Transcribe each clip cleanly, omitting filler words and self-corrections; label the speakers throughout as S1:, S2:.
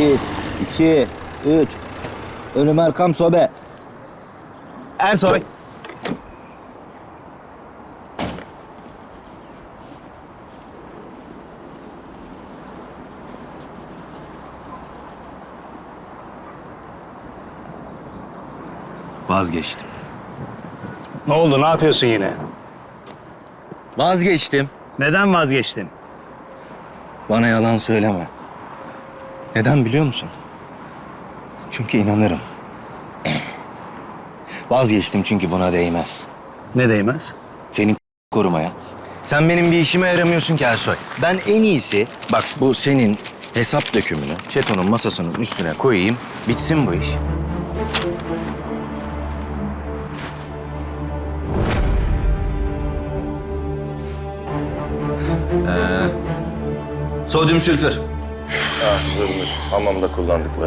S1: Bir, iki, üç. Önüm arkam sobe.
S2: Ersoy.
S1: Vazgeçtim.
S2: Ne oldu? Ne yapıyorsun yine?
S1: Vazgeçtim.
S2: Neden vazgeçtin?
S1: Bana yalan söyleme. Neden biliyor musun? Çünkü inanırım. Vazgeçtim çünkü buna değmez.
S2: Ne değmez?
S1: Senin korumaya. Sen benim bir işime yaramıyorsun ki Ersoy. Ben en iyisi, bak bu senin hesap dökümünü Çeto'nun masasının üstüne koyayım. Bitsin bu iş. Sodyum sülfür.
S3: Zırnık. Hamamda kullandıkları.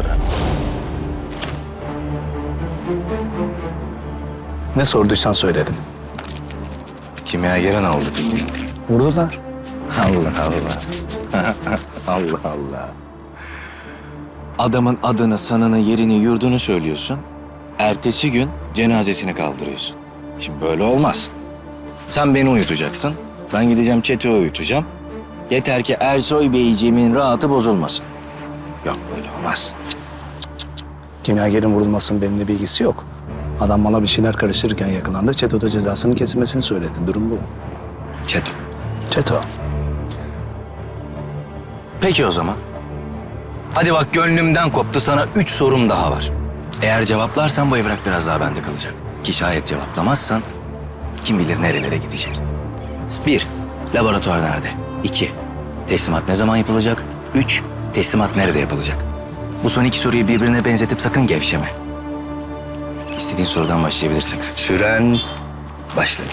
S2: Ne sorduysan söyledim.
S1: Kimyageren aldık.
S2: Vurdular.
S1: Allah Allah. Allah Allah. Adamın adını, sanını, yerini, yurdunu söylüyorsun. Ertesi gün cenazesini kaldırıyorsun. Şimdi böyle olmaz. Sen beni uyutacaksın. Ben gideceğim Çeto'yu uyutacağım. Yeter ki Ersoy Beyciğimin rahatı bozulmasın. Yok böyle olmaz.
S2: Kimyagerin vurulmasının benimle bilgisi yok. Adam bana bir şeyler karıştırırken yakalandı. Çeto'da cezasının kesilmesini söyledi. Durum bu.
S1: Çeto.
S2: Çeto.
S1: Peki o zaman. Hadi bak gönlümden koptu, sana 3 sorum daha var. Eğer cevaplarsan bu evrak biraz daha bende kalacak. Ki şayet cevaplamazsan kim bilir nerelere gidecek. 1. Laboratuvar nerede? 2. Teslimat ne zaman yapılacak? 3. Teslimat nerede yapılacak? Bu son 2 soruyu birbirine benzetip sakın gevşeme. İstediğin sorudan başlayabilirsin. Süren başladı.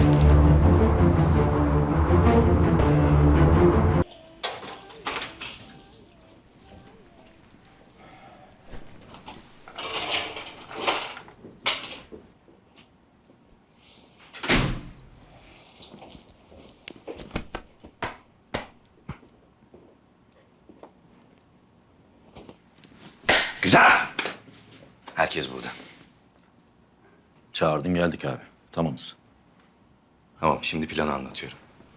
S1: Güzel. Herkes burada.
S4: Çağırdın geldik abi. Tamamız.
S1: Tamam, şimdi planı anlatıyorum.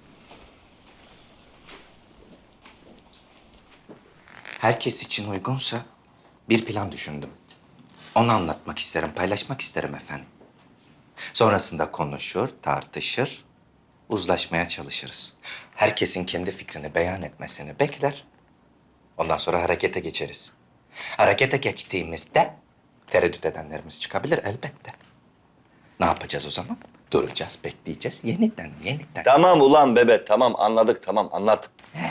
S1: Herkes için uygunsa bir plan düşündüm. Onu anlatmak isterim, paylaşmak isterim efendim. Sonrasında konuşur, tartışır, uzlaşmaya çalışırız. Herkesin kendi fikrini beyan etmesini bekler. Ondan sonra harekete geçeriz. Harekete geçtiğimizde tereddüt edenlerimiz çıkabilir elbette. Ne yapacağız o zaman? Duracağız, bekleyeceğiz. Yeniden.
S3: Tamam ulan bebe, tamam anladık, tamam anlat.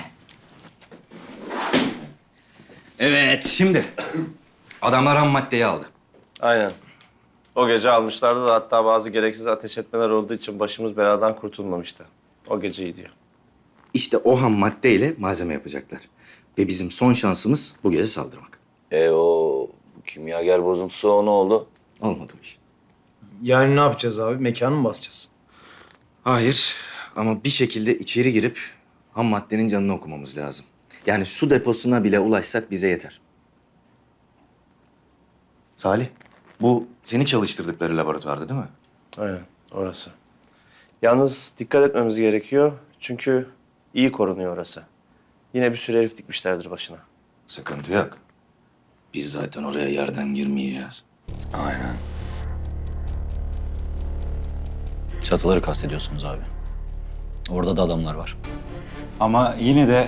S1: Evet, şimdi adamlar ham maddeyi aldı.
S3: Aynen. O gece almışlardı da hatta bazı gereksiz ateş etmeler olduğu için başımız beladan kurtulmamıştı. O gece iyi diyor.
S1: İşte o ham maddeyle malzeme yapacaklar. Ve bizim son şansımız bu gece saldırmak.
S3: O kimyager bozuntusu o ne oldu?
S1: Olmadı bu iş.
S5: Yani ne yapacağız abi? Mekanı mı basacağız?
S1: Hayır ama bir şekilde içeri girip ham maddenin canını okumamız lazım. Yani su deposuna bile ulaşsak bize yeter. Salih, bu seni çalıştırdıkları laboratuvarda değil mi?
S3: Aynen, orası. Yalnız dikkat etmemiz gerekiyor. Çünkü iyi korunuyor orası. Yine bir sürü herif dikmişlerdir başına.
S1: Sıkıntı yok. Biz zaten oraya yerden girmeyeceğiz.
S4: Aynen. Çatıları kastediyorsunuz abi. Orada da adamlar var.
S6: Ama yine de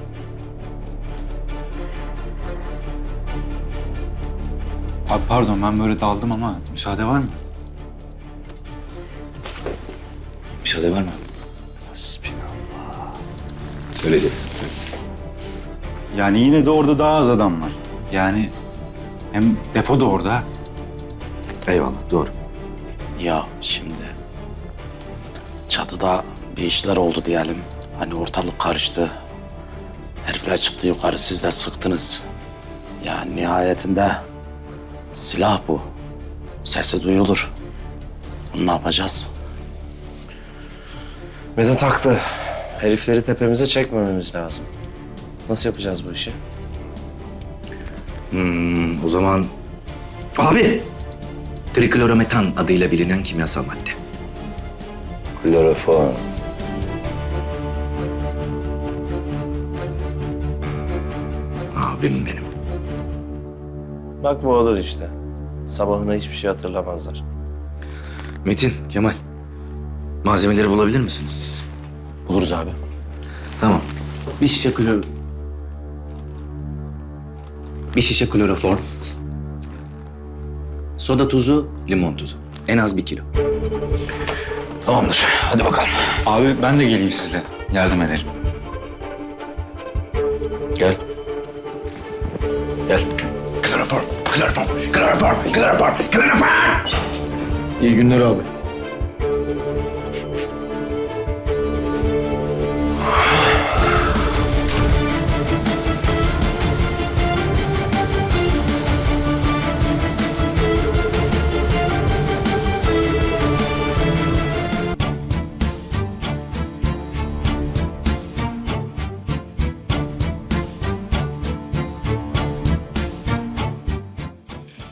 S6: abi pardon ben böyle daldım ama müsaade var mı?
S1: Müsaade var mı? Söyleyeceksin sen.
S6: Yani yine de orada daha az adam var. Yani hem depo da orada.
S1: Eyvallah, doğru.
S7: Ya şimdi çatıda bir işler oldu diyelim. Hani ortalık karıştı. Herifler çıktı yukarı, siz de sıktınız. Ya nihayetinde silah bu. Sesi duyulur. Bunu ne yapacağız?
S3: Vedat haklı. Herifleri tepemize çekmememiz lazım. Nasıl yapacağız bu işi?
S1: O zaman... Abi! Triklorometan adıyla bilinen kimyasal madde.
S4: Kloroform.
S1: Abim benim.
S3: Bak bu olur işte. Sabahına hiçbir şey hatırlamazlar.
S1: Metin, Kemal. Malzemeleri bulabilir misiniz siz?
S4: Buluruz abi.
S1: Tamam. Bir şişe kloroform. Soda tuzu, limon tuzu. En az 1 kilo.
S4: Tamamdır. Hadi bakalım.
S6: Abi ben de geleyim sizle. Yardım ederim.
S4: Gel. Gel.
S1: Kloroform, kloroform, kloroform, kloroform, kloroform.
S5: İyi günler abi.